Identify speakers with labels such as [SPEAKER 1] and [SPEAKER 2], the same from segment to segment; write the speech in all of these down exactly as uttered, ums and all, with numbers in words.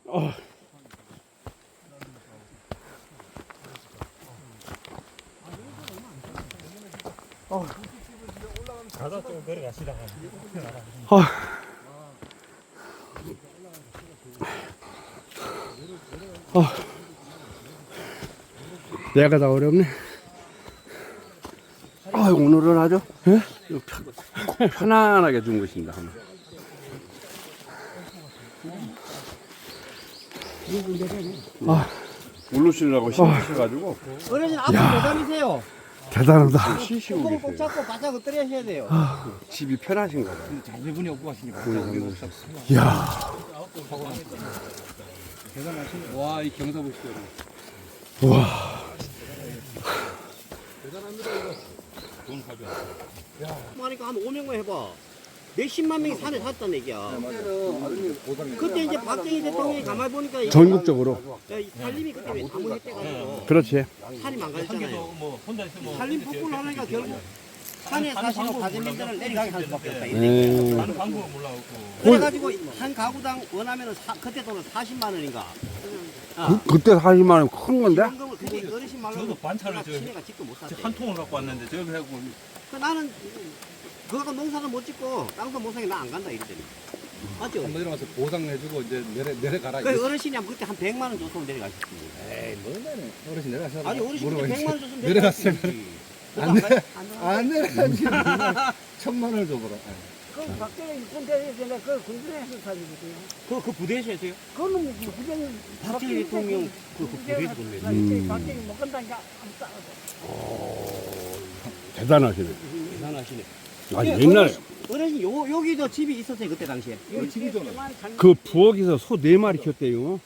[SPEAKER 1] 어. 어.
[SPEAKER 2] 가다 좀 걸어가시다가.
[SPEAKER 1] 어. 어. 내가 다 어렵네. 아, 오늘은 아주 예? 편, 편안하게 준 것입니다. 아, 울루시려고 힘드셔가지고.
[SPEAKER 3] 어르신 앞으로 못 다니세요.
[SPEAKER 1] 대단하다.
[SPEAKER 3] 쉬시고 꼭, 꼭 잡고 바짝 엎드려셔야 돼요.
[SPEAKER 1] 집이 편하신가 봐요.
[SPEAKER 2] 자제분이 없고 하시니까.
[SPEAKER 1] 이야.
[SPEAKER 2] 대단하시네. 와, 이 경사 보시죠.
[SPEAKER 1] 와.
[SPEAKER 2] 대단합니다, 이거. 돈 가져.
[SPEAKER 3] 하니까 한 오명만 해봐. 몇십만 명이 산에 샀다는 얘기야. 그때 이제 박정희 대통령이 가만히 보니까 이-
[SPEAKER 1] 전국적으로.
[SPEAKER 3] 야, 이 산림이 그때 왜 나무했대가지고
[SPEAKER 1] 그렇지.
[SPEAKER 3] 산이 망가졌잖아요.
[SPEAKER 2] 뭐 혼자 있으면
[SPEAKER 3] 산림 폭풍을 하니까 결국 산에 사시는 가재민들은 내려가게 할 수밖에 없다. 이런
[SPEAKER 1] 음.
[SPEAKER 3] 얘기야.
[SPEAKER 2] 하는 방법을 몰라갖고.
[SPEAKER 3] 그래가지고 한 가구당 원하면은 사, 그때 돈은 사십만 원인가.
[SPEAKER 1] 그, 그때 사십만 원 큰 건데?
[SPEAKER 3] 현금을 그때 어르신 말로
[SPEAKER 2] 저도 반찬을 저-
[SPEAKER 3] 친애가 직도 못 샀대.
[SPEAKER 2] 한 통을 갖고 왔는데 저기 하고
[SPEAKER 3] 그 나는 그거 농사도 못 짓고 땅도 못 사게 나 안 간다 이랬더니 맞죠?
[SPEAKER 4] 한번 내려가서 보상해주고 이제 내려 내려가라.
[SPEAKER 3] 그 어르신이 한 그때 한 백만 원 줬으면 내려가셨지.
[SPEAKER 4] 에이 뭐네 어르신 내려가서.
[SPEAKER 3] 아니 어르신 그때 백만 원 줬으면
[SPEAKER 4] 내려갔어요.
[SPEAKER 3] 내려가셨지.
[SPEAKER 4] 안 내- 안 내려가지. 천만 원을 줘보라.
[SPEAKER 5] 그 박정희 군대에서 그 군대에서 사주거든요.
[SPEAKER 3] 그, 그 부대에서 했어요?
[SPEAKER 5] 그거는 뭐 부정이
[SPEAKER 3] 박정희 대통령 그, 그 부대에서 돈 내요.
[SPEAKER 1] 음.
[SPEAKER 5] 박정희 못 간다니까 안 싸워도.
[SPEAKER 1] 대단하시네.
[SPEAKER 3] 대단하시네.
[SPEAKER 1] 아,
[SPEAKER 3] 예,
[SPEAKER 1] 옛날
[SPEAKER 3] 어르신, 어르신 요, 여기도 집이 있었어요 그때 당시에.
[SPEAKER 4] 이거 집이잖아.
[SPEAKER 1] 그 부엌에서 소 네 마리 키웠대요.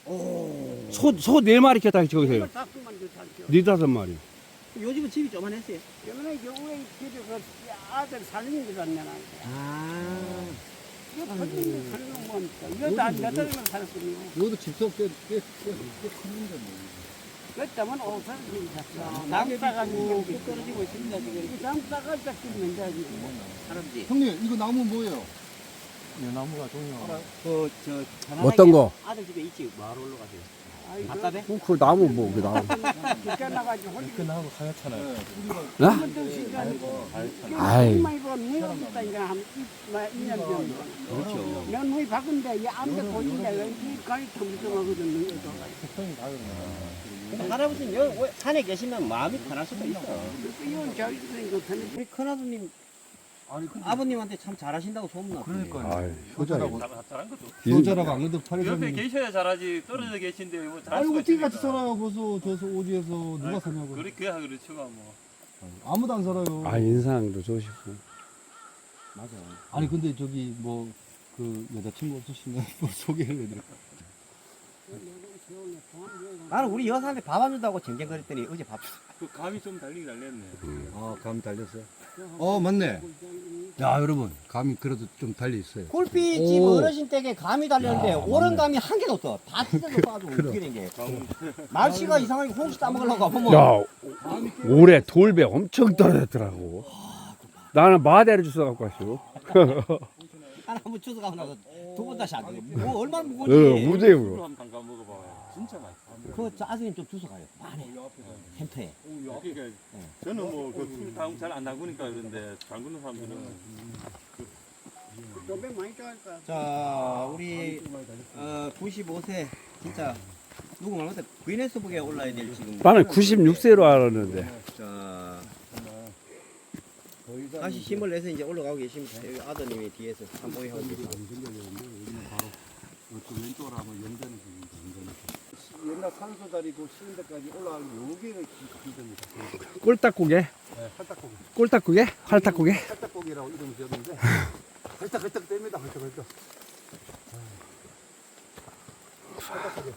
[SPEAKER 1] 소, 소 네 마리 키웠다 저기서요.
[SPEAKER 5] 다섯만 더 살죠.
[SPEAKER 1] 네 다섯 마리.
[SPEAKER 3] 요즘은 집이 조만했어요.
[SPEAKER 5] 때문에 여우의 집에 그 아들 살린 줄 알냐나.
[SPEAKER 3] 아.
[SPEAKER 5] 이거 터지는 살는 건 뭐니까. 이거 다몇 달이나 살았거든요.
[SPEAKER 4] 이것도 집속 꽤꽤꽤 큰데 뭐.
[SPEAKER 5] 그 때문에 오선 집이 샀어.
[SPEAKER 3] 낙엽이
[SPEAKER 5] 나무다가지고
[SPEAKER 3] 쭉 떨어지고 있습니다 지금.
[SPEAKER 5] 이 나무다가 딱 끼면 되지.
[SPEAKER 3] 할아버지.
[SPEAKER 4] 형님 이거 나무 뭐예요?
[SPEAKER 2] 나무가 종이야.
[SPEAKER 3] 그저
[SPEAKER 1] 어떤 거?
[SPEAKER 3] 아들 집에 있지. 마을 올라가세요.
[SPEAKER 5] 아이,
[SPEAKER 3] 답답해?
[SPEAKER 1] 그, 그 나무 뭐, 그 나무.
[SPEAKER 5] 그 나가지고 홀리.
[SPEAKER 2] 끝나고 하얗잖아요.
[SPEAKER 1] 나?
[SPEAKER 5] 한번도 시간.
[SPEAKER 1] 아이.
[SPEAKER 5] 정말 이거 내가 있다니까 한 이 년 전.
[SPEAKER 3] 그렇죠.
[SPEAKER 5] 면허이 바꾼데 이 아무데 보인데 이 가이 텅텅하거든.
[SPEAKER 2] 색깔이 다 그러네.
[SPEAKER 3] 할아버지는 여기 왜 산에 계시면 마음이 편할 수도 있어.
[SPEAKER 5] 이건 잘 있으니까 편해.
[SPEAKER 3] 우리 큰아드님
[SPEAKER 4] 아니 근데
[SPEAKER 3] 아버님한테 참 잘하신다고 소문났던데.
[SPEAKER 2] 그러니까.
[SPEAKER 1] 아이,
[SPEAKER 4] 효자라고.
[SPEAKER 2] 잘한 거죠.
[SPEAKER 4] 효자라고 안 그래도 팔
[SPEAKER 2] 옆에
[SPEAKER 4] 년.
[SPEAKER 2] 계셔야 잘하지 떨어져 계신데 뭐 잘할
[SPEAKER 4] 아니
[SPEAKER 2] 수가
[SPEAKER 4] 어떻게 같이
[SPEAKER 2] 있습니까?
[SPEAKER 4] 살아요? 벌써 저서 어디에서 누가 사냐고.
[SPEAKER 2] 그래 그야 그렇지가 뭐.
[SPEAKER 4] 아무도 안 살아요.
[SPEAKER 1] 아, 인상도 좋으시고.
[SPEAKER 4] 맞아. 아니 근데 저기 뭐 그 여자친구 없으시면 뭐 소개를 해드릴까?
[SPEAKER 3] 나는 우리 여사한테 밥 안 준다고 쟁쟁거렸더니 어제 밥 줬어.
[SPEAKER 2] 그 감이 좀 달리긴 달렸네.
[SPEAKER 4] 아 감이 달렸어요. 어 맞네. 야 여러분 감이 그래도 좀 달려 있어요.
[SPEAKER 3] 굴빛집
[SPEAKER 4] 오.
[SPEAKER 3] 어르신 댁에 감이 달렸는데
[SPEAKER 4] 야,
[SPEAKER 3] 오른
[SPEAKER 4] 맞네.
[SPEAKER 3] 감이 한 개도 없어. 다 찢어져 빠지고 어떻게 된 게. 날씨가 이상하게 홍시 따먹으려고 하면
[SPEAKER 1] 야, 올해 돌배 엄청 떨어졌더라고. 나는 마대를 주워 갖고 왔어.
[SPEAKER 3] 하나 한번 주워 가고 나서 두 번 다시 안 돼. 뭐 얼마나
[SPEAKER 1] 어,
[SPEAKER 3] 무거운지.
[SPEAKER 1] 무대로.
[SPEAKER 2] 한번 담가 먹어봐. 진짜 맛있어.
[SPEAKER 3] 그 아드님 좀 주워 가요. 많이. 햄터에.
[SPEAKER 2] 그러니까 저는 뭐그 다음 잘안 담그니까 그런데 담그는 사람들은
[SPEAKER 5] 도배 많이 좋아할까?
[SPEAKER 3] 자, 우리 어, 구십오 세 진짜 누구 말못해 기네스북에 올라야 될 지금.
[SPEAKER 1] 나는 구십육 세로 알았는데.
[SPEAKER 3] 자, 다시 힘을 내서 이제 올라가고 계십니다. 여기 아드님이 뒤에서 산보이 하고 계십니다.
[SPEAKER 4] 왼쪽으로 하면 연대는 연대는. 옛날 산소 자리 그 쉬는 데까지 올라가는 여기가 힘듭니다.
[SPEAKER 1] 꼴딱고개?
[SPEAKER 4] 네, 활딱고기.
[SPEAKER 1] 꼴딱고개? 활딱고개?
[SPEAKER 4] 활딱고기라고 이름 지었는데 헐떡헐떡 뗍니다. 헐떡헐떡. 활딱고기.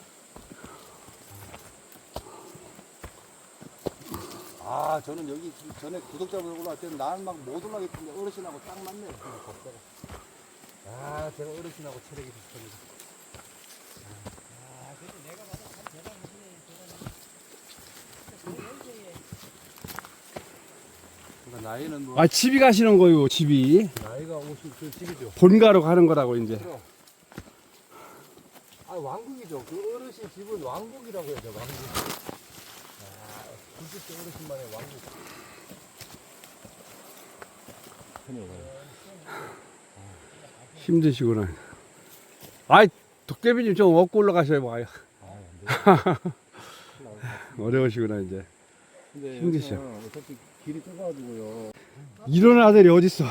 [SPEAKER 4] 아 저는 여기 전에 구독자분 올라갈 때는 나는 막 못 올라가겠는데 어르신하고 딱 맞네요. 걷다가. 아 제가 어르신하고 체력이 비슷합니다. 그러니까 나이는 뭐
[SPEAKER 1] 아, 집이 가시는 거요, 집이.
[SPEAKER 4] 나이가 오십 그 집이죠.
[SPEAKER 1] 본가로 가는 거라고, 이제.
[SPEAKER 4] 아, 왕국이죠. 그 어르신 집은 왕국이라고 해야죠, 왕국. 아, 구십 대 어르신만의 왕국.
[SPEAKER 1] 힘드시구나. 아이, 도깨비님 좀 업고 올라가셔야 봐요. 어려우시구나, 이제.
[SPEAKER 4] 근데
[SPEAKER 1] 힘드셔.
[SPEAKER 4] 여기는 어차피 길이 좁아가지고요.
[SPEAKER 1] 이런 아들이 어딨어.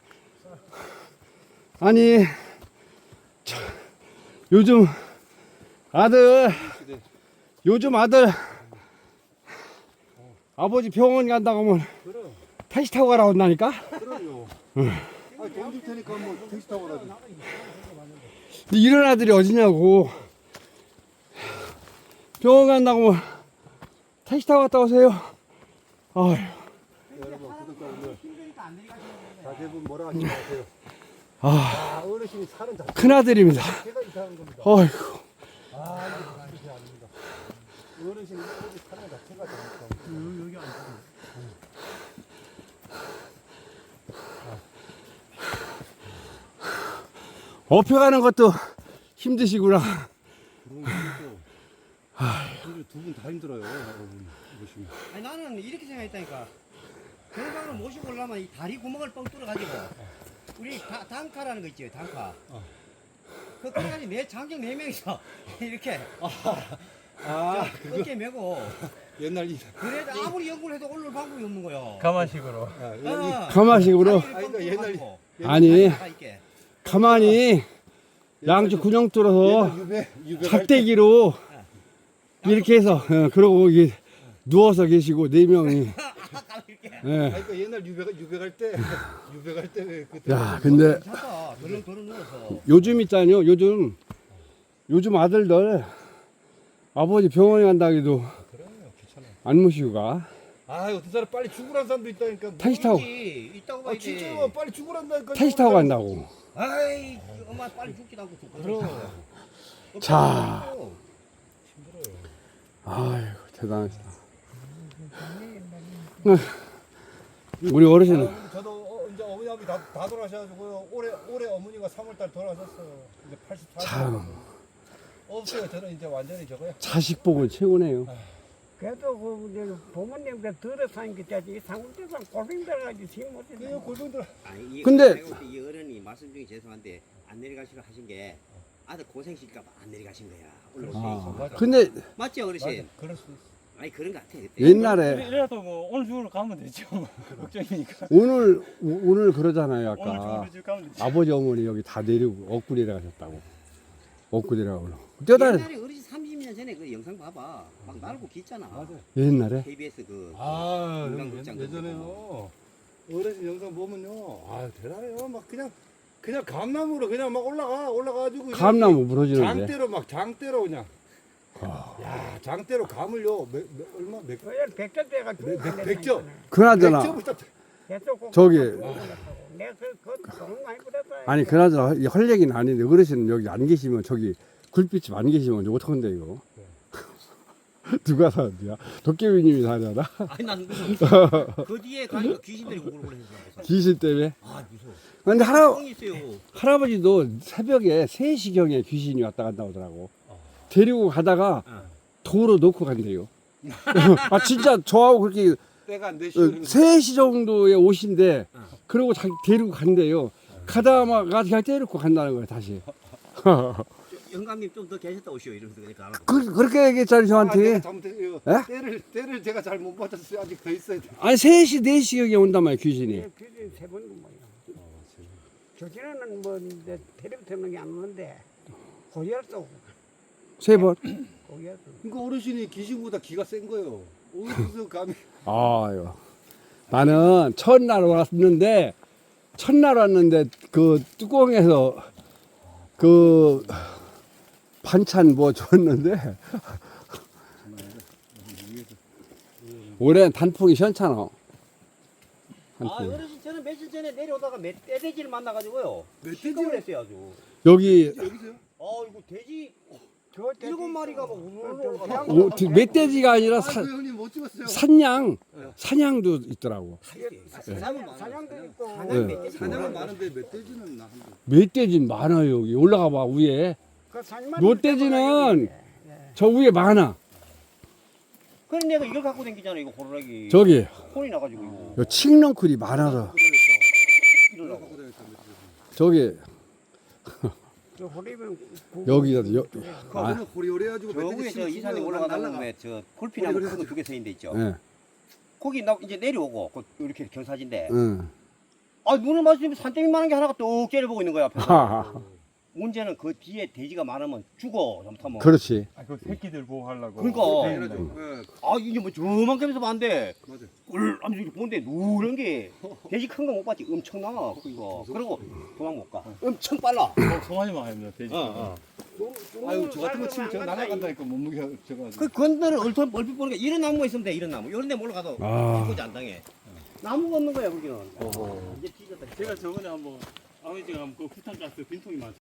[SPEAKER 1] 아니, 저, 요즘 아들, 요즘 아들, 아버지 병원 간다고 하면
[SPEAKER 4] 그럼,
[SPEAKER 1] 택시 타고 가라 온다니까?
[SPEAKER 4] 그럼요. 아, 돈 줄 테니까 뭐 택시 타고 가지.
[SPEAKER 1] 근데 이런 아들이 어디냐고. 병원 간다고 하면 택시 타고 갔다 오세요. 아휴.
[SPEAKER 4] 여러분, 구독자분들. 자제분 뭐라 하지 마세요.
[SPEAKER 1] 아,
[SPEAKER 4] 아, 어르신이 사는 자체가
[SPEAKER 1] 큰아들입니다.
[SPEAKER 4] 이상한 겁니다.
[SPEAKER 1] 어이구.
[SPEAKER 4] 아, 이거 그렇게 아닙니다. 어르신이 어르신 사는 자체가 잘못된
[SPEAKER 5] 여기 앉아.
[SPEAKER 1] 업혀가는 것도 힘드시구나.
[SPEAKER 4] 그런 것도 두 분 다 힘들어요, 여러분. 보시면.
[SPEAKER 3] 아니 나는 이렇게 생각했다니까. 건강을 모시고 오려면 이 다리 구멍을 뻥 뚫어가지고 우리 다, 단카라는 거 있죠, 단카. 그 그래가지고 네 장정 네 명이서 이렇게
[SPEAKER 4] 아,
[SPEAKER 3] 저 어깨 메고
[SPEAKER 4] 옛날 이.
[SPEAKER 3] 그래도 아무리 연구를 해도 올라올 방법이 없는 거요.
[SPEAKER 5] 가마식으로.
[SPEAKER 4] 아,
[SPEAKER 3] 어,
[SPEAKER 1] 가마식으로.
[SPEAKER 3] 다리를 뻥
[SPEAKER 4] 아니, 그러니까 옛날에-
[SPEAKER 3] 뚫어가지고
[SPEAKER 1] 아니,
[SPEAKER 3] 다 있게.
[SPEAKER 1] 가만히 양쪽 군용 뚫어서
[SPEAKER 4] 옛날 유배, 유배 갈 때.
[SPEAKER 1] 작대기로 이렇게 해서, 어, 그러고 이게 누워서 계시고 네 명이. 예.
[SPEAKER 4] 아니, 그러니까 옛날 유배 유배 갈 때, 유배 갈 때 왜 그때.
[SPEAKER 1] 야, 근데
[SPEAKER 3] 괜찮다. 덜렁덜렁 누워서.
[SPEAKER 1] 요즘 있잖아요. 요즘 요즘 아들들 아버지 병원에 간다 해도
[SPEAKER 4] 그래요, 괜찮아요.
[SPEAKER 1] 안 모시고 가.
[SPEAKER 4] 아, 어떤 사람 빨리 죽으라는 사람도 있다니까.
[SPEAKER 1] 택시 타고
[SPEAKER 3] 모르지. 있다고
[SPEAKER 4] 아,
[SPEAKER 3] 봐야지.
[SPEAKER 4] 진짜로 빨리 죽으란다니까.
[SPEAKER 1] 택시 타고 간다고.
[SPEAKER 3] 아이, 엄마 빨리 죽지도 않고 죽고.
[SPEAKER 4] 그럼.
[SPEAKER 1] 자.
[SPEAKER 4] 힘들어요.
[SPEAKER 1] 아이고 대단하시다. 우리 어르신은
[SPEAKER 4] 아, 저도 어, 이제 어머니 아버지 다, 다 돌아가셔가지고요. 올해 올해 어머니가 삼월달 돌아가셨어요. 이제 팔십사 세.
[SPEAKER 1] 참
[SPEAKER 4] 없어요. 저는 이제 완전히 저거요.
[SPEAKER 1] 자식 복은 최고네요.
[SPEAKER 5] 그래도 그 이제 부모님들 들어 사는 게 자지 상국대상 고생 들어가지 힘
[SPEAKER 4] 그래요,
[SPEAKER 5] 못해.
[SPEAKER 4] 골병들.
[SPEAKER 3] 아니, 이,
[SPEAKER 1] 근데-
[SPEAKER 3] 내가 볼때이 어른이 말씀 중에 죄송한데 안 내려가시려 하신 게 아들 고생시킬까봐 안 내려가신 거야. 올라오세요.
[SPEAKER 1] 아, 근데
[SPEAKER 3] 맞지 어르신?
[SPEAKER 4] 그럴 수 있어.
[SPEAKER 3] 아니 그런 거 같아 그때.
[SPEAKER 1] 옛날에
[SPEAKER 5] 이래도 뭐 오늘 중으로 가면 되죠. 걱정이니까.
[SPEAKER 1] 오늘 오- 오늘 그러잖아요.
[SPEAKER 5] 오늘
[SPEAKER 1] 아까
[SPEAKER 5] 중으로 집 가면 되죠.
[SPEAKER 1] 아버지 어머니 여기 다 내리고 엇구리에 가셨다고. 엇구리라고 그러고. 뛰어다니
[SPEAKER 3] 옛날에 어르신 삼십 년 전에 그 영상 봐봐. 막 날고 gis잖아.
[SPEAKER 4] 맞아요.
[SPEAKER 1] 옛날에
[SPEAKER 3] 케이비에스 그.
[SPEAKER 4] 아,
[SPEAKER 3] 건강극장
[SPEAKER 4] 예전에요. 어르신 영상 보면요. 아, 대단해요. 막 그냥 그냥 감나무로 그냥 막 올라가 올라가가지고 그냥
[SPEAKER 1] 감나무 무너지는데.
[SPEAKER 4] 장대로 막 장대로 그냥. 야, 장대로 감을요. 몇, 몇, 얼마 몇
[SPEAKER 5] 그냥 백전 때가
[SPEAKER 4] 백- 백- 백점.
[SPEAKER 1] 그나저나
[SPEAKER 4] 백점부터
[SPEAKER 1] 저기-
[SPEAKER 5] 내가 그돈 많이 받았다.
[SPEAKER 1] 아니 그나저나 이 할 얘기는 아닌데 어르신 여기 안 계시면 저기 굴빛집 안 계시면 이제 어떡한데 이거. 누가 사는데야? 도깨비님이 사잖아.
[SPEAKER 3] 아니 난 그 뒤에 가니까 귀신들이 오글오글 해서.
[SPEAKER 1] 귀신 때문에.
[SPEAKER 3] 아 무서워.
[SPEAKER 1] 근데 할아,
[SPEAKER 3] 뻥이 있어요.
[SPEAKER 1] 할아버지도 새벽에 세 시경에 귀신이 왔다 갔다 오더라고. 데리고 가다가
[SPEAKER 3] 어.
[SPEAKER 1] 도로 놓고 간대요. 아 진짜 저하고 그렇게
[SPEAKER 4] 때가 안 되시는
[SPEAKER 1] 세 시 정도에 오신데
[SPEAKER 3] 어.
[SPEAKER 1] 그러고 자기 데리고 간대요. 가다가 그냥 데리고 간다는 거예요 다시.
[SPEAKER 3] 영감님 좀 더 계셨다 오시오 이러면서 그러니까 알아.
[SPEAKER 1] 그, 그렇게 얘기했잖아요
[SPEAKER 4] 아,
[SPEAKER 1] 저한테.
[SPEAKER 4] 내가 잘못했어요.
[SPEAKER 1] 에?
[SPEAKER 4] 때를 때를 제가 잘 못 받았어요. 아직 더 있어야 돼.
[SPEAKER 1] 아니 세 시 네 시경에 온단 말이에요 귀신이.
[SPEAKER 5] 규진 세번 뭐야. 조진아는 뭐 이제 텔레비전 게안 오는데 고열도
[SPEAKER 1] 세 번.
[SPEAKER 5] 고열도.
[SPEAKER 4] 그러니까 어르신이 귀신보다 기가 센 거예요. 어디서 감히
[SPEAKER 1] 아유. 나는 첫날 왔는데 첫날 왔는데 그 뚜껑에서 그 반찬 뭐 줬는데 올해는 단풍이 시원찮아.
[SPEAKER 3] 아
[SPEAKER 1] 단풍.
[SPEAKER 3] 어르신 저는 며칠 전에 내려오다가 멧돼지를 만나가지고요.
[SPEAKER 4] 멧돼지요?
[SPEAKER 3] 시끄러워 했어요 아주.
[SPEAKER 1] 여기
[SPEAKER 4] 여기서요?
[SPEAKER 3] 아 이거 돼지
[SPEAKER 5] 저
[SPEAKER 3] 일곱 마리가 막 우르르 올라가.
[SPEAKER 1] 오, 그 멧돼지가 아니라 사,
[SPEAKER 4] 아, 그 형님 못 찍었어요.
[SPEAKER 1] 산양 사냥도 있더라고.
[SPEAKER 3] 사냥은
[SPEAKER 5] 사냥도 있고
[SPEAKER 3] 사냥
[SPEAKER 1] 네.
[SPEAKER 3] 멧돼지
[SPEAKER 4] 사냥은
[SPEAKER 3] 많아.
[SPEAKER 4] 많은데 멧돼지는 나 한 번.
[SPEAKER 1] 멧돼지 많아요 여기 올라가 봐 위에.
[SPEAKER 5] 그 산만
[SPEAKER 1] 롯데지는 저 위에 많아.
[SPEAKER 3] 그래 내가 이걸 갖고 다니잖아 이거 호루라기.
[SPEAKER 1] 저기
[SPEAKER 3] 혼이 나가지고 이거.
[SPEAKER 1] 요 칡넝쿨이 많아서
[SPEAKER 3] 이러려고.
[SPEAKER 1] 저기
[SPEAKER 5] 저 호리면
[SPEAKER 1] 여기다 여,
[SPEAKER 4] 그
[SPEAKER 1] 아,
[SPEAKER 4] 오늘 호리호리해가지고
[SPEAKER 3] 저 위에 저 이산에 올라가다 보면 저 굴피나무 큰거 두 개 서 있는데 있죠.
[SPEAKER 1] 예,
[SPEAKER 3] 거기 나 이제 내려오고 그 이렇게 경사진데.
[SPEAKER 1] 응.
[SPEAKER 3] 아 눈을 마주치면 산더미 많은 게 하나가 뚝 째려보고 있는 거야 앞에서.
[SPEAKER 1] 하하.
[SPEAKER 3] 문제는 그 뒤에 돼지가 많으면 죽어 잘못하면.
[SPEAKER 1] 그렇지.
[SPEAKER 2] 아, 그 새끼들 보호하려고.
[SPEAKER 3] 그러니까.
[SPEAKER 4] 예,
[SPEAKER 3] 아 이게 뭐 저만큼에서 봤는데
[SPEAKER 4] 맞아.
[SPEAKER 3] 꿀 하면서 이렇게 보는데 누런 게 돼지 큰 거 못 봤지 엄청나 그거. 그리고 도망 못 가. 엄청 빨라.
[SPEAKER 2] 어, 송아지만 하면 돼지.
[SPEAKER 3] 어, 어.
[SPEAKER 4] 아유 저 같은 거 치면 저 날아간다니까 몸무게가 저거.
[SPEAKER 3] 그 건너를 얼핏 얼핏 보니까 이런 나무가 있으면 돼 이런 나무. 이런 데 몰라가도
[SPEAKER 1] 아.
[SPEAKER 3] 이거지 안 당해. 나무가 없는 거야 거기는. 이제 뒤졌다.
[SPEAKER 2] 제가 저번에 한번 아버지가 한번 그 부탄가스 빈통이 많